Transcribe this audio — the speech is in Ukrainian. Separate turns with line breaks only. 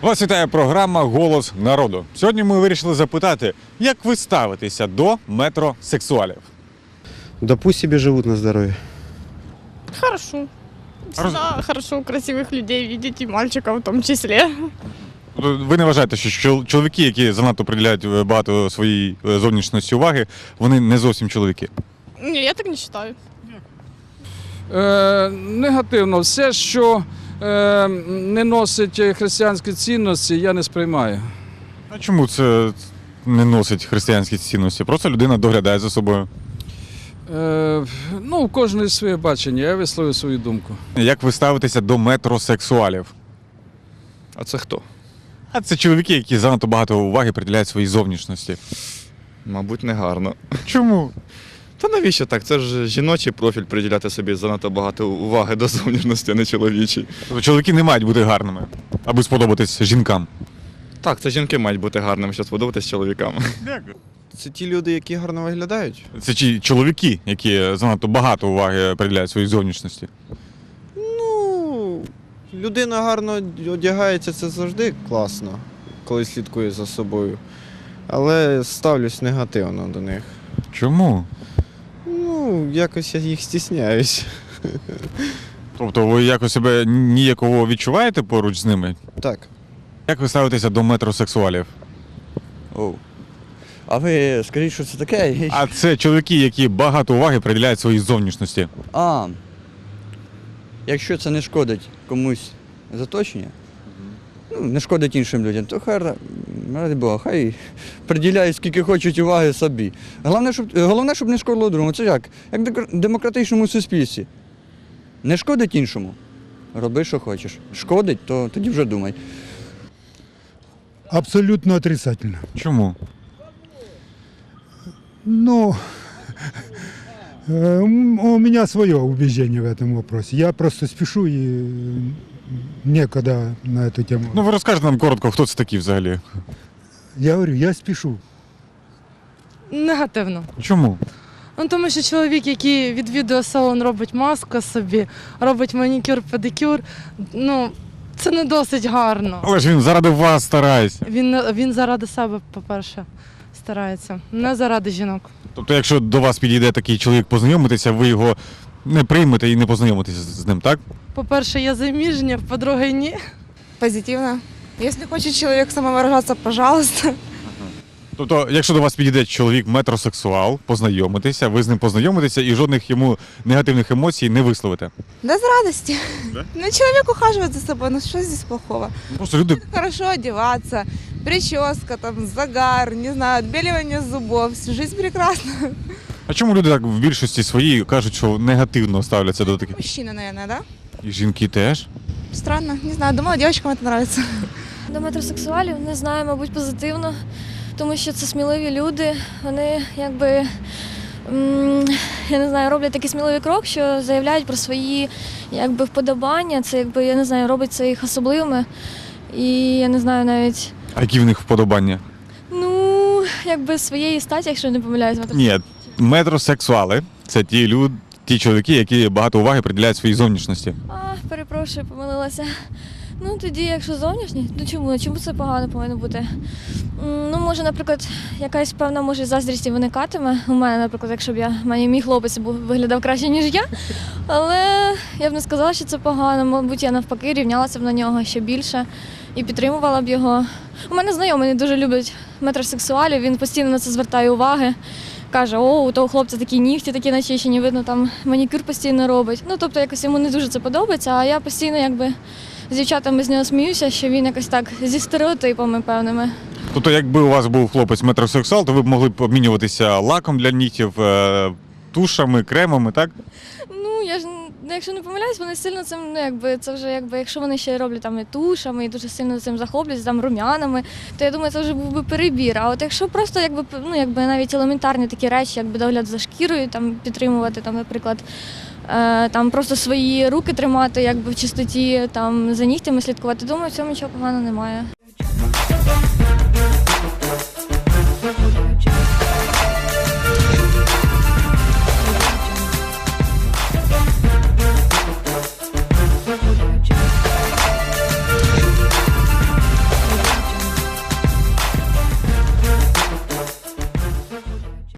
Вас вітає програма «Голос народу». Сьогодні ми вирішили запитати, як ви ставитеся до метросексуалів?
Да пусть себе живут на здоровье.
Хорошо. Всегда хорошо красивых людей видеть, и мальчиков в том числе.
Ви не вважаєте, що чоловіки, які занадто приділяють багато своїй зовнішності уваги, вони не зовсім чоловіки?
Не, я так не считаю.
Негативно. Все, що не носить християнські цінності, я не сприймаю.
А чому це не носить християнські цінності? Просто людина доглядає за собою.
У кожної своє бачення, я висловлю свою думку.
Як ви ставитеся до метросексуалів?
А це хто?
А це чоловіки, які занадто багато уваги приділяють своїй зовнішності.
Мабуть, не гарно.
Чому?
Та навіщо так? Це ж жіночий профіль приділяти собі занадто багато уваги до зовнішності, а не чоловічий.
Тобто чоловіки не мають бути гарними, аби сподобатись жінкам.
Так, це жінки мають бути гарними, щоб сподобатись чоловікам.
Це ті люди, які гарно виглядають.
Це ті чоловіки, які занадто багато уваги приділяють своїй зовнішності.
Ну, людина гарно одягається, це завжди класно, коли слідкує за собою. Але ставлюсь негативно до них.
Чому?
Ну, якось я їх стісняюсь.
Тобто ви якось себе ніяково відчуваєте поруч з ними?
Так.
Як ви ставитеся до метросексуалів?
Оу. А ви скажіть, що це таке?
А це чоловіки, які багато уваги приділяють своїй зовнішності.
Якщо це не шкодить комусь з оточення, не шкодить іншим людям, то ради Бога, хай приділяють скільки хочуть уваги собі. Головне, щоб не шкодило другому. Це як? Як в демократичному суспільстві. Не шкодить іншому, роби, що хочеш. Шкодить, то тоді вже думай.
Абсолютно отрицательно.
Чому?
Ну, у меня свое убеждение в этом вопросе. Я просто спешу и некогда на эту тему.
Ну ви розкажете нам коротко, хто це такі взагалі?
Я говорю, я спешу.
Негативно.
Чому?
Ну, тому що чоловік, який відвідує салон, робить маску собі, робить манікюр, педикюр, це не досить гарно.
Але ж він заради вас старається.
Він заради себе, по-перше, старається, не заради жінок.
Тобто, якщо до вас підійде такий чоловік познайомитися, ви його не приймете і не познайомитеся з ним, так?
По-перше, я заміжня, по-друге, ні.
Позитивно. Если хочет человек самовыражаться, пожалуйста.
Тобто, якщо до вас підійде чоловік метросексуал, познайомитися, ви з ним познайомитеся і жодних йому негативних емоцій не висловите.
Да с радости.
Да?
Ну, человек ухаживает за собой, ну что здесь плохого?
Просто люди.
Хорошо одеваться, прическа, там, загар, не знаю, отбеливание зубов, жизнь прекрасна.
А чому люди так в більшості своїй кажуть, що негативно ставляться до таких?
Мужчина, наверное, да?
І жінки теж?
Странно, не знаю, думала, девочкам это нравится.
До метросексуалів не знаю, мабуть, позитивно, тому що це сміливі люди. Вони я не знаю, роблять такий сміливий крок, що заявляють про свої вподобання. Це я не знаю, робить це їх особливими. І я не знаю навіть.
А які в них вподобання?
Своєї статі, якщо не помиляюсь.
Ні, метросексуали це ті чоловіки, які багато уваги приділяють своїй зовнішності.
Перепрошую, помилилася. Тоді, якщо зовнішні, чому це погано повинно бути? Може, наприклад, якась певна заздрість і виникатиме. У мене, наприклад, якщо б мій хлопець виглядав краще, ніж я. Але я б не сказала, що це погано. Мабуть, я навпаки рівнялася б на нього ще більше і підтримувала б його. У мене знайомий дуже любить метросексуалів, він постійно на це звертає уваги. Каже, у того хлопця такі нігті, такі начищені, видно, там манікюр постійно робить. Тобто якось йому не дуже це подобається, а я постійно з дівчатами з нього сміюся, що він якось так зі стереотипами певними.
Тобто, якби у вас був хлопець метросексуал, то ви б могли б обмінюватися лаком для нігтів, тушами, кремами, так?
Якщо не помиляюсь, вони сильно цим, це вже якщо вони ще роблять там і тушами, і дуже сильно цим захоплюються, там рум'янами, то я думаю, це вже був би перебір. А от якщо просто навіть елементарні такі речі, догляд за шкірою, там підтримувати, там, наприклад, там просто свої руки тримати, в чистоті, там за нігтями слідкувати, думаю, в цьому нічого поганого немає.